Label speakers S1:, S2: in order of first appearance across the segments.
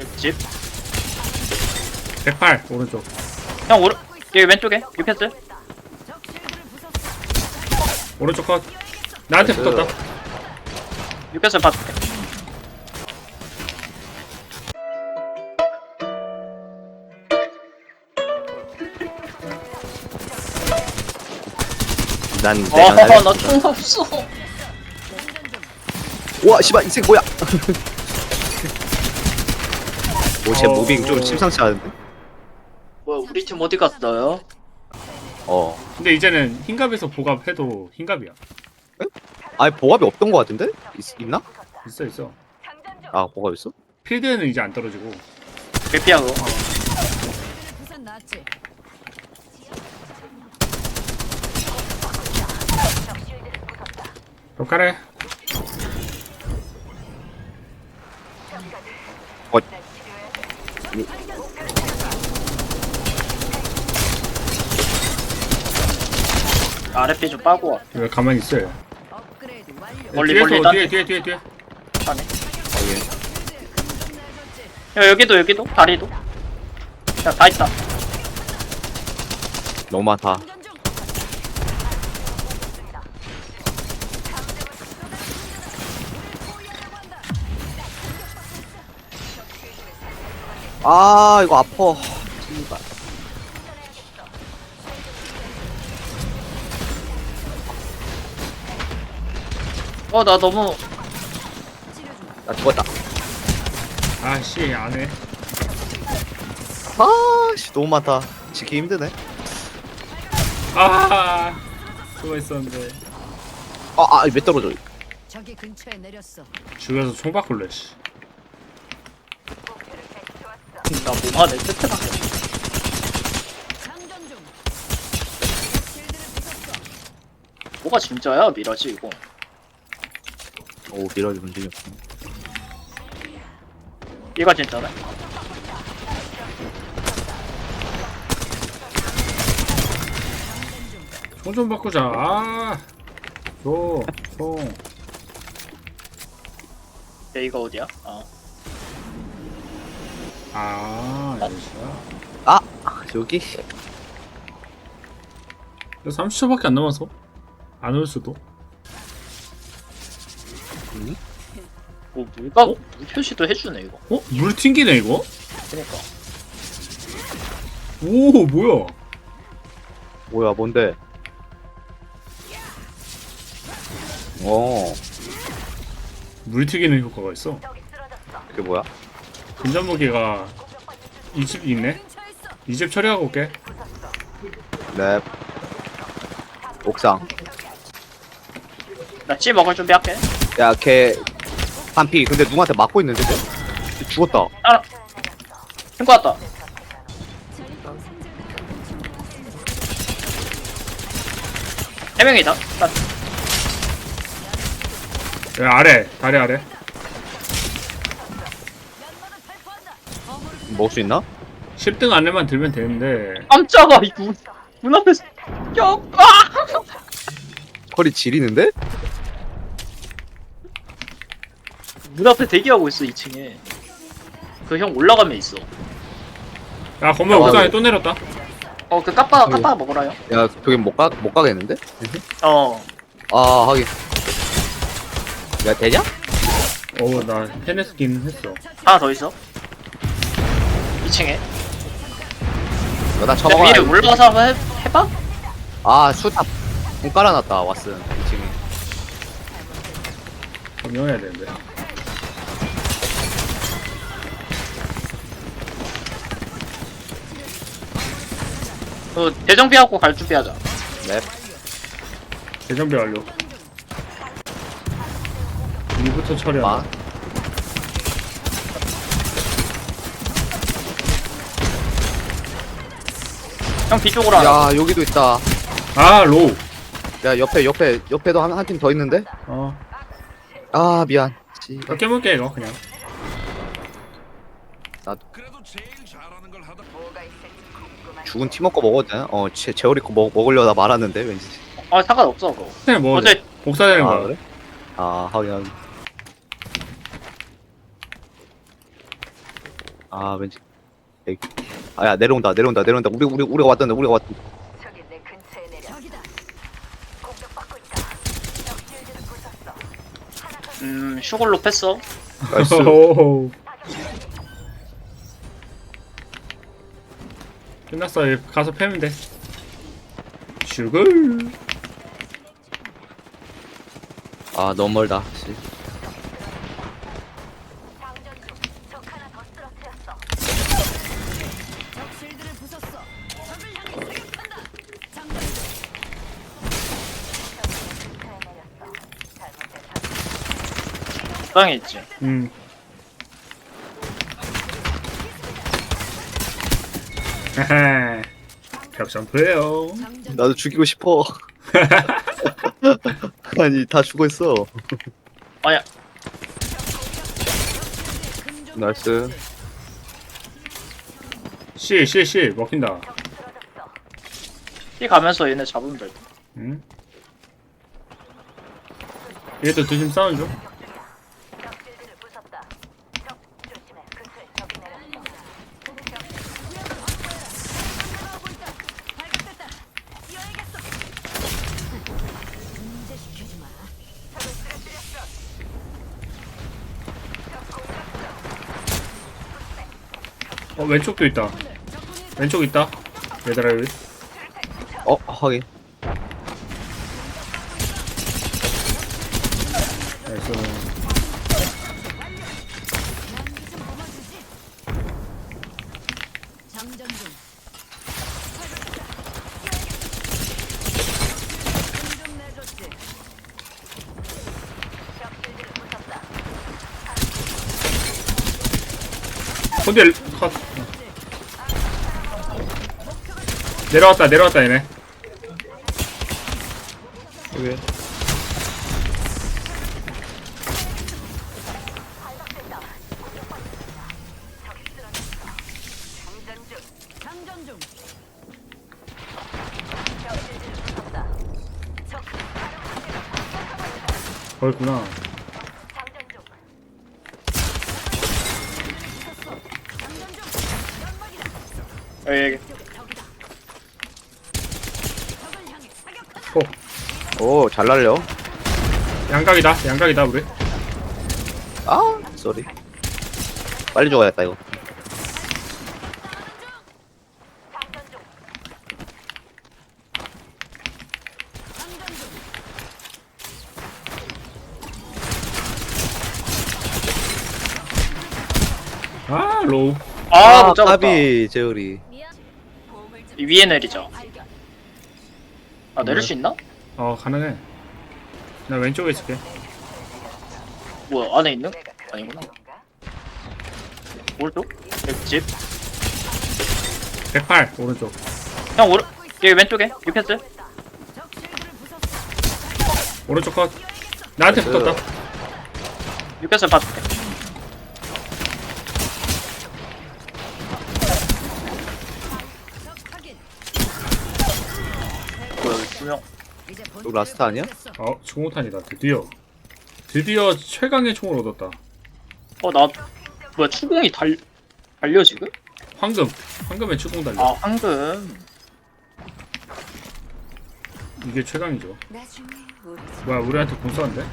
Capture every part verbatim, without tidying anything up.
S1: 집.
S2: 백팔 오른쪽.
S1: 형 오른 여기 왼쪽에 유패스.
S2: 오른쪽 컷. 나한테
S3: 나이스.
S2: 붙었다.
S1: 유패스 봐줄게.
S3: 난 내가 날-
S1: 어나 총 없어.
S3: 우와 씨발 이 새끼 뭐야? 오쟤
S2: 어,
S3: 무빙 좀
S2: 어.
S3: 심상치 않은데?
S1: 뭐야 우리 팀 어디 갔어요?
S3: 어
S2: 근데 이제는 흰갑에서 보갑해도 흰갑이야.
S3: 아니 보갑이 없던 거 같은데? 있, 있나?
S2: 있어 있어.
S3: 아 보갑 있어?
S2: 필드에는 이제 안 떨어지고.
S1: 개피야 그거.
S4: 부산 나왔지.
S2: 벽가래.
S3: 어
S1: 아랫배 좀 빠고 와.
S2: 왜 가만히 있어요?
S4: 업그레이드 완료.
S1: 멀리,
S2: 뒤에서
S1: 멀리
S2: 뒤에 뒤에 뒤에 뒤에.
S1: 가네.
S3: 여기
S4: 금전 내줬지.
S1: 야 여기도 여기도 다리도. 야 다 있다.
S3: 너무 많다.
S4: 금전 중.
S3: 아 이거 아파. 씨발.
S1: 어 나 너무
S3: 나 죽었다.
S2: 아씨 안해.
S3: 아씨 너무 많다. 지기 힘드네.
S2: 아 수고했었는데.
S3: 아아왜 떨어져?
S4: 저기 근처에 내렸어.
S2: 죽여서 총 바꿀래. 씨.
S1: 나 뭐하네 세트밖에.
S4: 장전 중. 실드를 부쉈어.
S1: 뭐가 진짜야 미라지 이거.
S3: 오 미러지 문제이 없어.
S1: 얘가 진짜네.
S2: 총 좀 바꾸자. 아. 줘. 총.
S1: 얘가 어디야? 아
S2: 아 여기야.
S3: 아 여기.
S2: 삼십 초밖에 안 남아서 안 올 수도.
S1: 뭐 물가 물 표시도 해주네 이거.
S2: 어? 물 튕기네 이거?
S1: 그러니까.
S2: 오 뭐야?
S3: 뭐야 뭔데? 어
S2: 물 튀기는 효과가 있어.
S3: 그게 뭐야?
S2: 근접 무기가 이 집 있네.
S4: 근처에 있어.
S2: 이 집 처리하고 올게.
S3: 랩 옥상.
S1: 나찌 먹을 준비할게.
S3: 야걔 반피. 근데 누구한테 맞고 있는데 쟤? 쟤 죽었다.
S1: 아 친구 왔다. 세 명이다. 나
S2: 야, 아래 다리 아래.
S4: 연마를 발포한다. 어무를
S3: 먹을 수 있나?
S2: 십 등 안에만 들면 되는데.
S1: 깜짝아 이문 문 앞에서 야 아!
S3: 허리 지리는데?
S1: 문 앞에 대기하고 있어 이 층에. 그 형 올라가면 있어.
S2: 야 건물
S3: 야,
S2: 옥상에
S3: 와,
S2: 또 내렸다.
S1: 어 그 까빠
S3: 아이고.
S1: 까빠 먹으라요.
S3: 야 저기 못 가, 못 가겠는데?
S1: 어
S3: 아 하긴. 야 되냐?
S2: 어우 나 해냈긴 했어.
S1: 하나 더 있어. 이 층에.
S3: 야, 나
S1: 내
S3: 쳐먹어야
S1: 위에 올라가서 한번 해, 해봐.
S3: 아 수탑 공 깔아놨다 왓슨 이 층에.
S2: 점령해야 되는데.
S1: 그 대정비하고 갈 준비하자.
S3: 랩.
S2: 대전비 완료. 이부터
S3: 마.
S2: 처리하자.
S1: 형 뒤쪽으로 하나.
S3: 야 여기도 있다.
S2: 아 로우.
S3: 야 옆에 옆에 옆에도 한 한 팀 더 있는데?
S2: 어.
S3: 아 미안. 씨.
S2: 나 깨물게 이거 그냥.
S5: 그래도 제일 잘하는 걸 하다.
S3: 죽은 팀워크 먹어도 되나? 어 제, 제어리 거 먹, 먹으려다 말았는데 왠지.
S1: 아 상관없어 그거.
S2: 그냥 뭐
S1: 어제
S2: 복사되는
S3: 아
S2: 거야.
S3: 그래? 아 하긴 하긴. 아 왠지. 에이. 아야 내려온다 내려온다 내려온다. 우리 우리 우리가 왔던데 우리가 왔던데.
S4: 저기 내 근처에 내려. 저기다. 공격받고 있다. 적 실드를 부쉈어.
S1: 음 슈글로 뺐어.
S3: 나이스.
S2: 오호. 끝났어. 얘 가서 패면 돼. 슈글.
S3: 아 너무 멀다. 씨.
S4: 장전 중. 적 하나 더 쓰러뜨렸어. 적 실드를 부쉈어. 적을 향해 사격한다. 장전 중. 근처에 내렸어. 잘못된
S1: 땅에 있지.
S2: 음. 하하. 격점프예요.
S4: 장전
S3: 나도 죽이고 싶어. 아니 다 죽어 있어.
S1: 아야.
S3: 나이스.
S2: C C C 먹힌다.
S1: 피 가면서 얘네 잡으면 될 듯.
S2: 응? 얘도 두심 싸우는 중.
S4: 적 실드를 부쉈다. 적 조심해. 근처에 적이 내렸어. 발각됐다. 뛰어야겠어. 문제시키지 마. 적을 쓰러뜨렸어.
S2: 어 왼쪽도 있다. 왼쪽 있다. 얘들아 여기.
S3: 어 하긴.
S2: 나이스.
S4: 장전 중. 좀 내줬지. 적 실드를 부쉈다.
S2: 혼델 컷. 내려왔다 내려왔다 얘네.
S3: 여기.
S4: 장전 중. 장전 중. 적 실드를 부쉈다. 적
S2: 거기구나.
S4: 장전 중. 장전 중. 연막이다.
S1: 여기 여기.
S4: 적이다. 적을 향해 사격한다.
S2: 호.
S3: 오잘 날려.
S2: 양각이다 양각이다 우리.
S3: 아 쏘리. 빨리 죽어야겠다 이거.
S4: 장전 중. 장전 중.
S2: 아 로우.
S1: 아 못 잡았다.
S3: 까비 제우리.
S4: 미안. 보험을 좀
S1: 이 위에 내리자.
S4: 발견.
S1: 아 내릴 수 있나?
S2: 어 가능해. 나 왼쪽에 있을게.
S1: 뭐야 안에 있는? 아니구나. 오른쪽? 여기 집.
S2: 백팔 오른쪽.
S1: 형 오른 여기 왼쪽에 유패스.
S4: 적 실드를 부쉈어.
S2: 오른쪽 컷. 나한테
S3: 나이스.
S2: 붙었다.
S1: 유패스 봐줄게.
S4: 적 확인.
S1: 뭐야 여기 두 명.
S4: 이제
S3: 이거 라스트 아니야?
S2: 어 중호탄이다 드디어. 드디어 최강의 총을 얻었다.
S1: 어 나 뭐야 추궁이 달 달려 지금?
S2: 황금. 황금의 추궁 달려.
S1: 아 황금.
S2: 이게 최강이죠.
S4: 나중에 우리
S2: 뭐야 우리한테 공 쏘는데?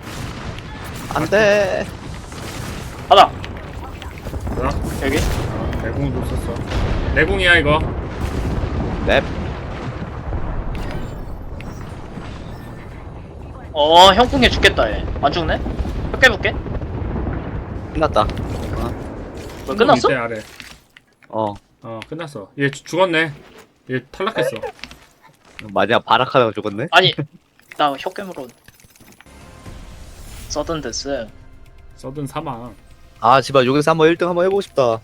S3: 안돼.
S1: 가자.
S2: 뭐야?
S1: 여기.
S2: 아, 내공도 썼어. 내공이야 이거.
S3: 넵.
S1: 어 형궁에 죽겠다 얘. 안 죽네? 몇 개 볼게.
S3: 끝났다.
S1: 뭐 끝났어?
S2: 밑에 아래.
S3: 어
S2: 어 끝났어. 얘 죽- 죽었네. 얘 탈락했어.
S3: 마지막 바락하다가 죽었네.
S1: 아니 나 혀깨물어. 서든 데스.
S2: 서든 사망.
S3: 아 제발 여기서 한번 일 등 한번 해보고 싶다.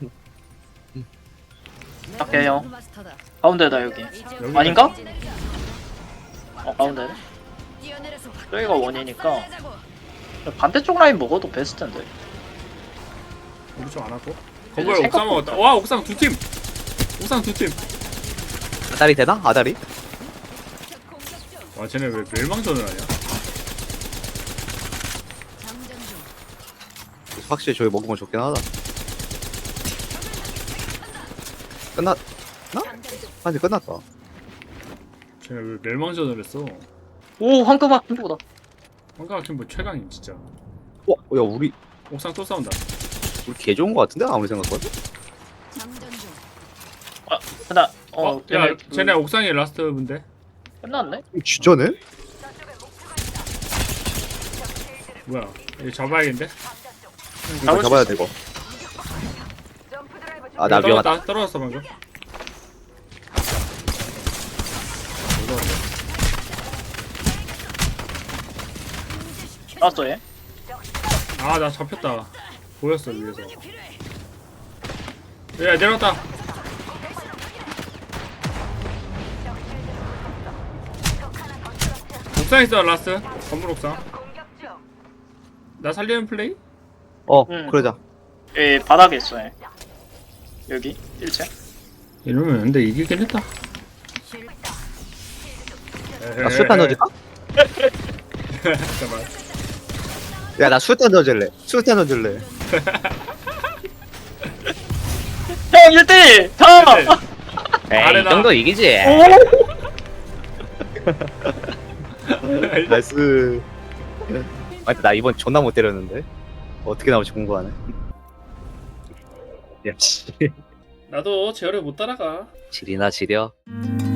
S1: 오케이, 형.
S4: 마스터다.
S1: 가운데다 여기.
S2: 여기
S1: 아닌가? 어 가운데.
S4: 뛰어내려서
S1: 저기가 원이니까.
S4: 내자고.
S1: 반대쪽 라인 먹어도 베스트인데.
S2: 우리 좀 안 하고.
S1: 근데
S2: 거기에 옥상
S1: 생각보다-
S2: 먹었다. 와 옥상 두 팀. 옥상 두 팀.
S3: 아다리 되나? 아다리?
S2: 와 쟤네 왜 멸망전을 하냐?
S4: 장전 중.
S3: 확실히 저기 먹으면 좋긴 하다. 끝났 아 이제 끝났다.
S2: 쟤네 왜 멸망전을 했어?
S1: 오 황금학 킹보다.
S2: 황가kim 뭐 최강임 진짜.
S3: 어, 야 우리
S2: 옥상 또 싸운다.
S3: 우리 개 좋은 거 같은데 아무리 생각해도.
S4: 장전 중.
S1: 아 하나 어,
S2: 어, 야,
S1: 얘네 그-
S2: 쟤네 옥상이 라스트 분데.
S1: 끝났네.
S3: 진짜네?
S2: 뭐야? 이거 잡아야겠는데?
S3: 이거
S1: 잡을 수
S3: 잡아야
S1: 있어.
S3: 돼 이거. 아 나
S2: 이거
S3: 위험하다.
S2: 떨어졌다, 떨어졌어 방금.
S1: 나왔어 얘.
S2: 아, 나 잡혔다. 보였어 위에서. 야, 내려왔다. 옥상 있어 라스트. 건물 옥상. 나 살리는 플레이?
S3: 어
S1: 응.
S3: 그러자.
S1: 얘 바닥에 있어 얘. 여기 일 층.
S2: 이러면 근데 이기긴 했다.
S3: 나 수류탄 던질까?
S2: 잠깐만.
S3: 야나 수류탄 던질래. 수류탄 던질래.
S1: 형 일 대 일! 형!
S2: 네. 아레나.
S3: 이기지. 나이스. 아, 나 이번 존나 못 때렸는데 어떻게 나올지 궁금하네. 야 씨.
S2: 나도 제어를 못 따라가.
S3: 지리나 지려.